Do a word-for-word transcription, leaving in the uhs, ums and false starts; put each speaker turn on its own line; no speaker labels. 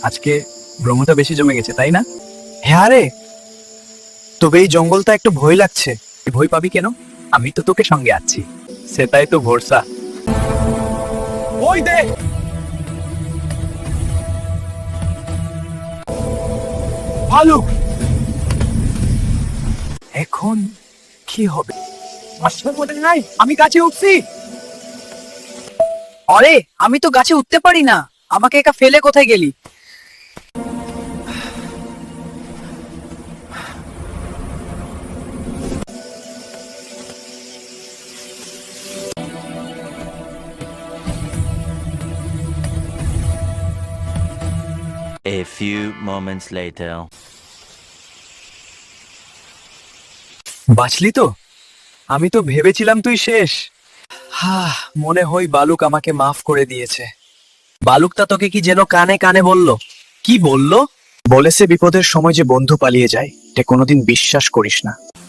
আজকে ভ্রমণটা বেশি জমে গেছে, তাই না?
হ্যাঁ রে, তবে এই জঙ্গলটা একটু ভয় লাগছে।
তুই ভয় পাবি কেন? আমি তো তোকে সঙ্গে আছি। সেটাই তো ভরসা।
ওই দেখ, ভালুক।
এখন কি হবে?
আসলে বলে নাই, আমি গাছে উঠছি।
আরে আমি তো গাছে উঠতে পারি না, আমাকে একা ফেলে কোথায় গেলি?
A few moments later.
বাঁচলি তো? আমি তো ভেবেছিলাম তুই শেষ। হা, মনে হয় বালুক আমাকে মাফ করে দিয়েছে।
বালুকটা তোকে কি যেন কানে কানে বলল?
কি বললো?
বলেছে বিপদের সময় যে বন্ধু পালিয়ে যায়, এটা কোনোদিন বিশ্বাস করিস না।